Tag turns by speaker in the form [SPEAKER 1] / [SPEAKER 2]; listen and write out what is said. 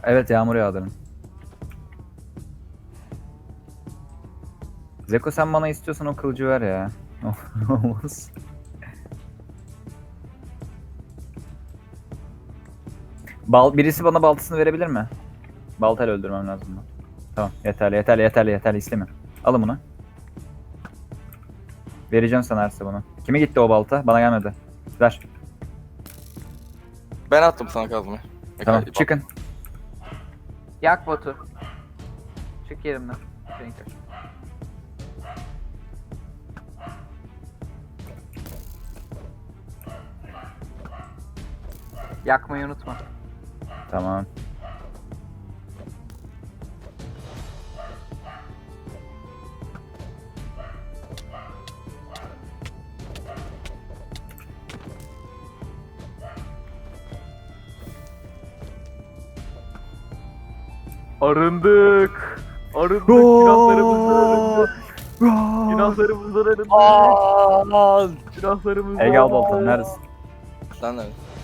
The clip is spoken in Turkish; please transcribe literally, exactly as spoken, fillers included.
[SPEAKER 1] Evet, yağmur yağdırın. Zeko sen bana istiyorsan o kılıcı ver ya. Olmaz. Bal, birisi bana baltasını verebilir mi? Baltayla öldürmem lazım bunu. Tamam, yeterli yeterli yeterli yeterli, istemiyorum. Alın bunu. Vereceğim sana Erse bunu. Kime gitti o balta? Bana gelmedi. Ver.
[SPEAKER 2] Ben attım sana kazmayı.
[SPEAKER 1] Tamam,
[SPEAKER 2] Bak-
[SPEAKER 1] çıkın.
[SPEAKER 3] Yak botu. Çık yerimden. Renk. Yakmayı unutma.
[SPEAKER 1] Tamam.
[SPEAKER 3] Arındık. Arındık. Günahlarımızdan arındık. Günahlarımızdan arındık.
[SPEAKER 2] Aman!
[SPEAKER 3] Günahlarımızdan
[SPEAKER 1] Ege al baltanı, neredesin?
[SPEAKER 2] Sen neredesin?